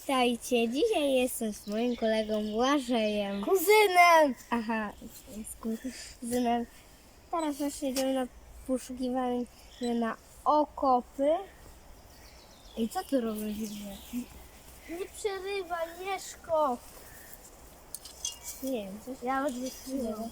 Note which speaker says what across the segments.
Speaker 1: Witajcie, dzisiaj jestem z moim kolegą Błażejem.
Speaker 2: Kuzynem!
Speaker 1: Aha, z kuzynem. Teraz właśnie idziemy na poszukiwanie na okopy. I co tu robisz?
Speaker 2: Nie przerywaj, Mieszko!
Speaker 1: Nie wiem, coś.
Speaker 2: Ja już wystrzyłem.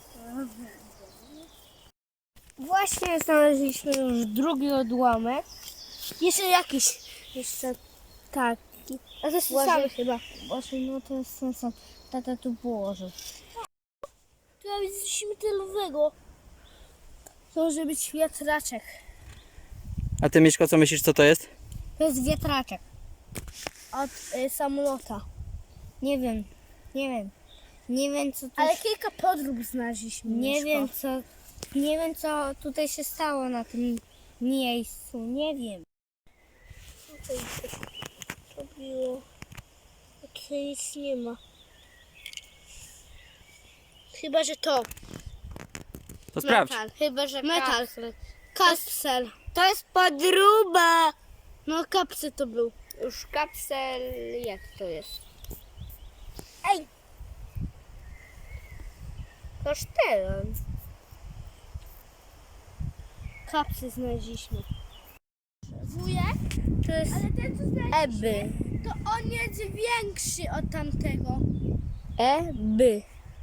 Speaker 1: Właśnie znaleźliśmy już drugi odłamek.
Speaker 2: Jeszcze jakiś.
Speaker 1: Jeszcze taki.
Speaker 2: A to jest ten
Speaker 1: Błażej-
Speaker 2: sam chyba.
Speaker 1: Właśnie, no to jest ten sam. Tata tu położył.
Speaker 2: Tu ja widzę coś metalowego. To może być wiatraczek.
Speaker 3: A ty, Mieszko, co myślisz, co to jest?
Speaker 1: To jest wiatraczek.
Speaker 2: Od samolota.
Speaker 1: Nie wiem, Nie wiem co tu
Speaker 2: Ale kilka podrób znaleźliśmy.
Speaker 1: Nie
Speaker 2: Mieszko.
Speaker 1: wiem co tutaj się stało na tym miejscu. Nie wiem.
Speaker 2: Tutaj coś robiło. Takie nic nie ma. Chyba, że to.
Speaker 3: To sprawdź.
Speaker 1: Metal. Chyba, że
Speaker 2: Metal.
Speaker 1: kapsel.
Speaker 2: Kapsel.
Speaker 1: To jest podróba.
Speaker 2: No kapsel to był.
Speaker 1: Już kapsel, jak to jest?
Speaker 2: Ej!
Speaker 1: Kasztelan.
Speaker 2: Kapsel znaleźliśmy. Wujek?
Speaker 1: To jest
Speaker 2: Ale ten co znaleźliśmy,
Speaker 1: Eby.
Speaker 2: to on jest większy od tamtego.
Speaker 1: Eby.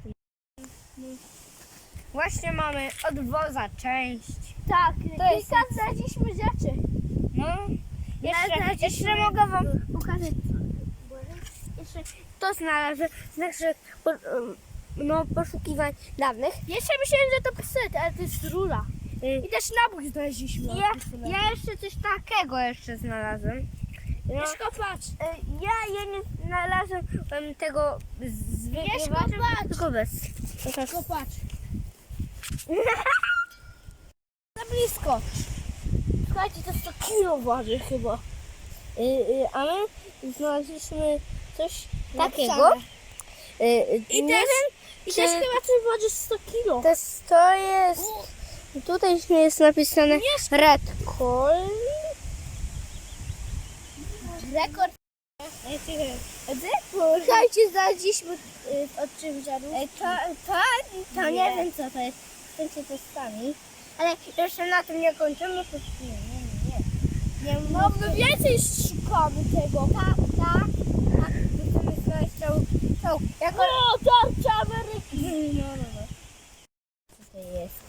Speaker 1: Właśnie mamy od woza część.
Speaker 2: Tak,
Speaker 1: To jest-
Speaker 2: kilka znaleźliśmy rzeczy.
Speaker 1: No. Jeszcze mogę wam pokazać. Jeszcze to znalazłem. Znaczy, poszukiwań dawnych.
Speaker 2: Jeszcze myślałem, że to pistolety, ale to jest rura.
Speaker 1: Y,
Speaker 2: I też nabój znaleźliśmy.
Speaker 1: Ja jeszcze coś takiego jeszcze znalazłem. No,
Speaker 2: Mieszko, patrz.
Speaker 1: ja nie znalazłem tego zwykłego,
Speaker 2: patrz.
Speaker 1: tylko bez.
Speaker 2: Mieszko, patrz. Za blisko. Słuchajcie, to 100 kilo waży chyba.
Speaker 1: A my znaleźliśmy coś
Speaker 2: Napisane.
Speaker 1: takiego.
Speaker 2: I
Speaker 1: Nie
Speaker 2: też,
Speaker 1: wiem,
Speaker 2: i
Speaker 1: czy-
Speaker 2: też chyba coś waży 100 kilo.
Speaker 1: to jest... Tutaj jest napisane
Speaker 2: Mieszko.
Speaker 1: Red Call.
Speaker 2: Rekord. Słuchajcie, znaleźliśmy od czym żarów.
Speaker 1: To nie wiem co to jest. Chcecie to sami. Ale jeszcze na tym nie kończymy. To nie.
Speaker 2: No, my więcej szukamy tego.
Speaker 1: Tak. Chcemy znaleźć czołg. Jako...
Speaker 2: O, tarcza Ameryki.
Speaker 1: No. Co to jest?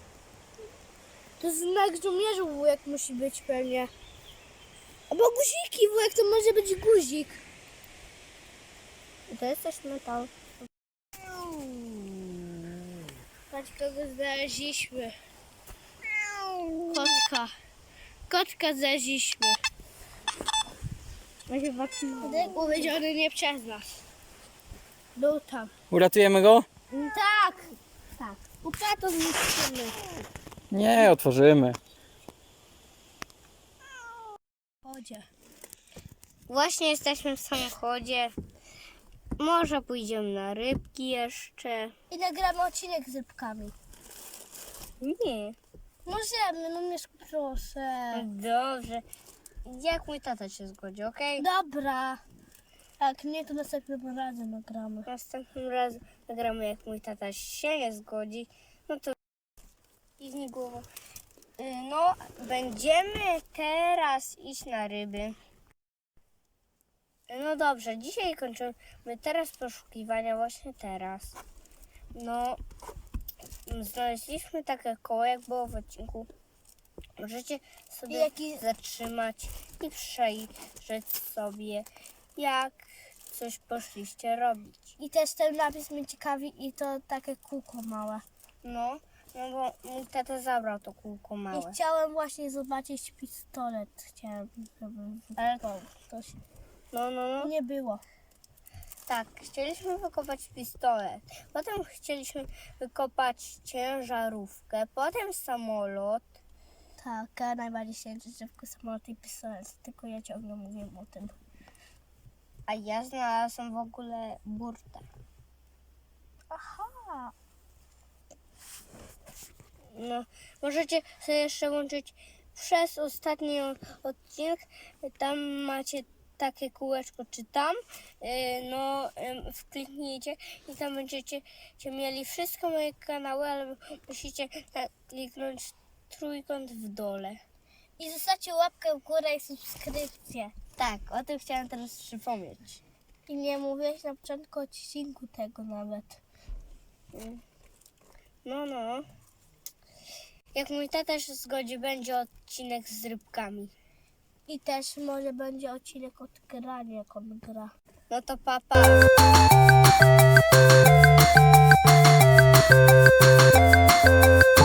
Speaker 2: To znak żołnierza, wujek musi być pewnie. Albo guziki, wujek, to może być guzik.
Speaker 1: To jest coś metal.
Speaker 2: Patrz, kogo znaleźliśmy. Kotka. Kotka znaleźliśmy. Uwiedziony nie przez nas. Był tam.
Speaker 3: Uratujemy go?
Speaker 2: Tak. Upato zniszczymy.
Speaker 3: Nie, otworzymy.
Speaker 2: Chodzie.
Speaker 1: Właśnie jesteśmy w samochodzie. Może pójdziemy na rybki jeszcze.
Speaker 2: I nagramy odcinek z rybkami.
Speaker 1: Nie.
Speaker 2: Możemy, no Mieszku, proszę.
Speaker 1: Dobrze. Jak mój tata się zgodzi, okej?
Speaker 2: Dobra. Jak nie, to następnym razem nagramy.
Speaker 1: Następnym razem nagramy, jak mój tata się nie zgodzi. No to kiwnij głową. No, będziemy teraz iść na ryby. No dobrze, dzisiaj kończymy teraz poszukiwania, właśnie teraz. No, znaleźliśmy takie koło, jak było w odcinku. Możecie sobie zatrzymać i przejrzeć sobie, jak coś poszliście robić.
Speaker 2: I też ten napis mnie ciekawi i to takie kółko małe.
Speaker 1: No bo mój tata zabrał to kółko małe.
Speaker 2: I chciałem właśnie zobaczyć pistolet. Chciałem, żeby
Speaker 1: Ale-
Speaker 2: wykopał ktoś.
Speaker 1: No.
Speaker 2: Nie było.
Speaker 1: Tak, chcieliśmy wykopać pistolet. Potem chcieliśmy wykopać ciężarówkę. Potem samolot.
Speaker 2: Tak, ja najbardziej się drzewko samolot i pistolet. Tylko ja ciągle mówię o tym.
Speaker 1: A ja znalazłam w ogóle burtę.
Speaker 2: Aha.
Speaker 1: No, możecie sobie jeszcze łączyć przez ostatni odcinek. Tam macie takie kółeczko czy tam, wkliknijcie i tam będziecie mieli wszystkie moje kanały, ale musicie kliknąć trójkąt w dole.
Speaker 2: I zostawcie łapkę w górę i subskrypcję.
Speaker 1: Tak, o tym chciałam teraz przypomnieć.
Speaker 2: I nie mówiłeś na początku odcinku tego nawet.
Speaker 1: No. Jak mój tata się zgodzi, będzie odcinek z rybkami.
Speaker 2: I też może będzie odcinek od grania, jak on gra.
Speaker 1: No to papa.